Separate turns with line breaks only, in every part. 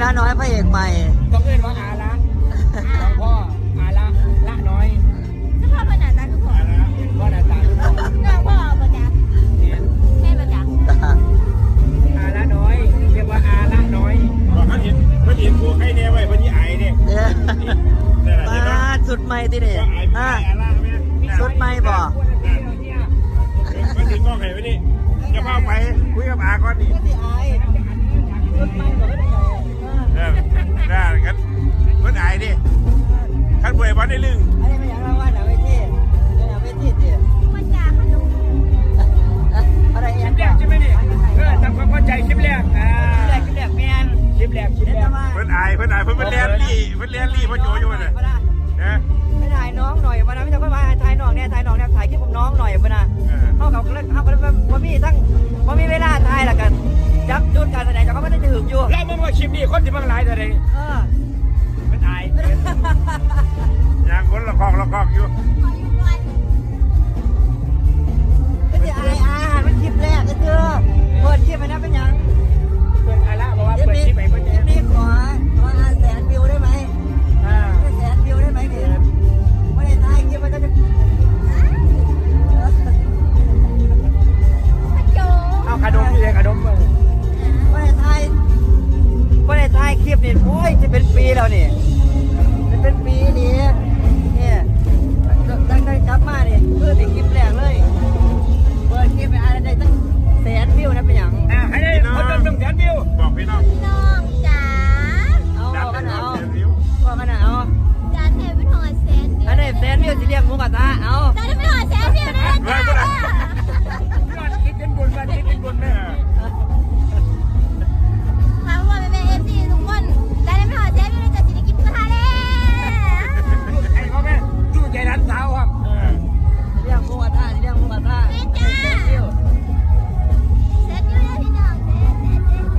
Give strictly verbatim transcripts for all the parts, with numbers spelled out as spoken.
ละน้อยพระเอกใหม่
ต้องเรียกว่าอาละของพ่ออาละละน้อย
ถ้าพ่อเป็นหน้าตาคือพ่อ
พ่อหน้าตาคือพ่อ
น้องพ่อประจักษ์แม่ประจักษ์
อาละน้อยเรียกว่าอาละน้อย
บอกเขาเห็นเขาเห็นกูให้แน่ไว้พอดีไอ้เนี่ย
มาสุดใหม่ที่นี่อ่าสุดใหม่บ่
มันถึงกล้องไหนวะนี่จะพาไปคุยกับอาก่อนนี่
สุดใหม่บ่ได้ไง
เออได้กันมันไอ้ดิท่านป่วยวันได้ลึง
อันนี้ไม่อยากเล่าว่าหนาเวทีหนาเวทีดิ
ประจักษ์ลูก
อะไรเอ็น
คลิปแรกใช่ไหมนี่เออทำความเข้าใจคลิปแรกอ่า
คลิปแรกคลิปแรกแมน
คลิปแรกคลิปแรก
เพิ่นไอ้เพิ่นไอ้เพิ่นเป็นเลียนลี่เพิ่นเลียนลี่เพิ่นโยอยู่เลยนะ
ไม่ถ่ายน้องหน่อยวันนั้นไม่ต้องมาถ่ายน้องเนี่ยถ่ายน้องเนี่ยถ่ายคลิปกับน้องหน่อยวันน่ะเขาเขาเล่นเขาเล่นว่ามีทั้งว่ามีเวลาถ่ายละกันจับจุดการแสดงแต่เขาไม่ได้ถึงอยู่
แล้วมึงว่าคลิปนี้คนที่บางหลายแต่ไหน
เออ
เป็นไอ้
อย่างคนละคอกละคอกอยู่
ไม่ใช่ไอ้อาหารเป็นคลิปแรกก็เจอเปิดคลิปไปนะเป็นยัง
เปิดอาละบอกว่าเปิดคลิปไปเปิด
คลิปนี้ขอขอแสนวิวได้ไหม
อ่า
แสนวิวได้ไหมเนี่ยไม่ได้ถ่ายคลิปมันก็จะ
เอาขาดมพี่เลยขาดมเลย
ไม่ได้ถ่ายไม่ได้ถ่ายคลิปนี่โอ้ยจะเป็นปีแล้วนี่จะเป็นปีนี่เนี่ยตั้งแต่กลับมาเนี่ยเพื่อติดคลิปแรกเลยเปิดคลิปไปอะไรได้ตั้งแสนวิวนะเป็นอย่าง
อ่าให้ได้คนจำต้องแสนวิว
บอกพี่น้อง
น้องจ๋า
เอากันเอาว่ากันเอา
จ๋าเทปเป็นหอแสน
อันนี้แสนวิวสิเรียกหมูกระทะเอา
จ๋าเป็นหอแสนวิวนะจ๋า
คิดเป็นบุญมาคิดเป็นบุญแม่
ถามว่าแม่เอฟซีทุกคนจ๋าเป็นหอแสนวิวนะจ๋าสิได้กินกระทะแล้ว
ไอ้พ่อแม่จู้ใจรันสาวครับ
เรียกหมูกระทะเรียกหมูกระทะแสนวิว
แสนวิวนะพี่น้องแสนแสนแสน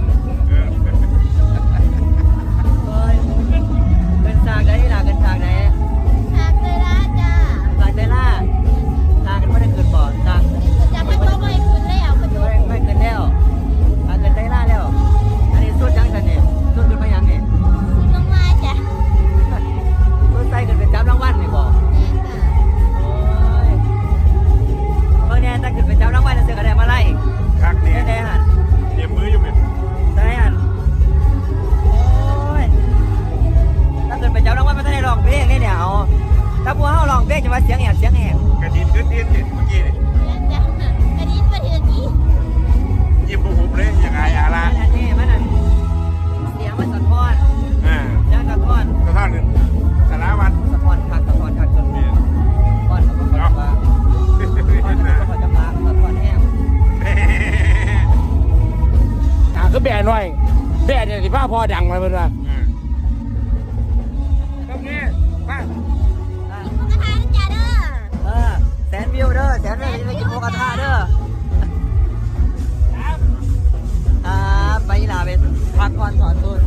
เฮ้ยเป็นฉากไหนล่ะเป็นฉากไหน
ฉากเลยนะจ้า
ฉากเดล่าฉากกันไม่ได้เกิดบ่อฉาก
จ๋าไม่ต้องไปคุณแล้วคุณดู
ไม่ไม่เกิดแล้วฉากเกิดเดล่าแล้วอันนี้สุดยังกันเนี่ยสุดขึ้นมายังเนี่ย
คุณลงมาจ้ะ
สุดใจเกิดเป็นจับรางวัลนี่บ่
แม่จ้ะ
โอ้ยเมื่อเนี่ยถ้าเกิดเป็นจับรางวัลจะเสือกอะไรมาไล่
คักเนี่ย
ได้หัน
เตรียมมืออยู่ไหม
ได้หันโอ้ยถ้าเกิดเป็นจับรางวัลมันต้องได้ร้องเพลงนี่เนี่ยเอาถ้าพวกเขาร้องเพลงจะว่าเสียงแหบเสียงแหบ
กระดิ่งขึ้นเตียนเมื่อกี้นี่
จ้ะกระดิ่งประเทศนี้
ยิ้มบุบเลยยังไงอาละ
อันนี้มันนั่นเสียงมันสะท้อน
อ่า
เสียงสะท้อน
สะท้อนหนึ่งสารวัตร
สะท้อนคักสะท้อนคักจนเนี่ยก้อนเขาก็เขาจะว่าก้อนเขาจะมาสะท้อนแห้ง
อ่าคือแบนหน่อยแบนเนี่ยที่พ่อพ่อดังมาเพื่อนว่าตรงนี้ป้า
กินหมูกระทะนะจ๊ะเด้อ
เออแสนวิวเด้อแสนวิวจะไปกินหมูกระทะเด้ออ่าไปลาไปพักก่อนถอนตัว